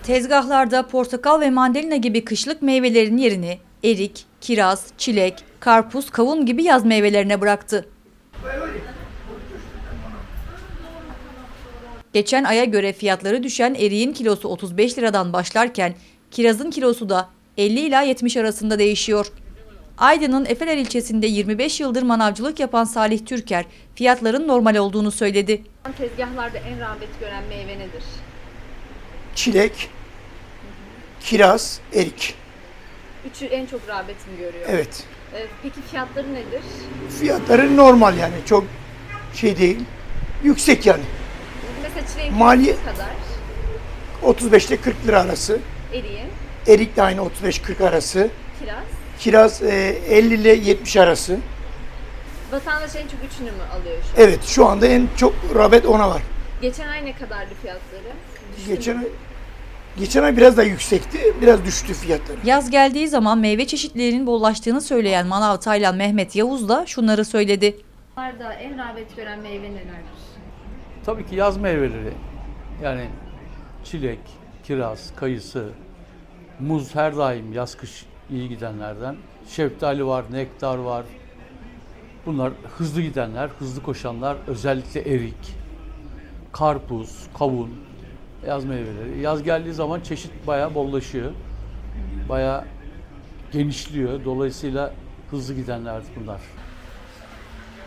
Tezgahlarda portakal ve mandalina gibi kışlık meyvelerin yerini erik, kiraz, çilek, karpuz, kavun gibi yaz meyvelerine bıraktı. Geçen aya göre fiyatları düşen eriğin kilosu 35 liradan başlarken kirazın kilosu da 50 ila 70 arasında değişiyor. Aydın'ın Efeler ilçesinde 25 yıldır manavcılık yapan Salih Türker fiyatların normal olduğunu söyledi. Tezgahlarda en rağbet gören meyve nedir? Çilek, kiraz, erik. Üçü en çok rağbet mi görüyor? Evet. Peki fiyatları nedir? Fiyatları normal yani çok şey değil. Yüksek yani. Mesela çileğin Maliye- kilosu ne kadar? 35 ile 40 lira arası. Eriğin, Erik de aynı 35-40 arası. kiraz. Kiraz 50 ile 70 arası. Vatandaş en çok üçünü mü alıyor şu an? Evet şu anda en çok rağbet ona var. Geçen ay ne kadardı fiyatları? Düştü mü? Geçen ay biraz daha yüksekti. Biraz düştü fiyatları. Yaz geldiği zaman meyve çeşitlerinin bollaştığını söyleyen manav Taylan Mehmet Yavuz da şunları söyledi. Tezgahlarda en rağbet gören meyve nelerdir? Tabii ki yaz meyveleri. Yani çilek, kiraz, kayısı, muz her daim yaz-kış iyi gidenlerden. Şeftali var, nektar var. Bunlar hızlı gidenler, hızlı koşanlar. Özellikle erik, karpuz, kavun, yaz meyveleri. Yaz geldiği zaman çeşit bayağı bollaşıyor. Bayağı genişliyor. Dolayısıyla hızlı gidenler bunlar.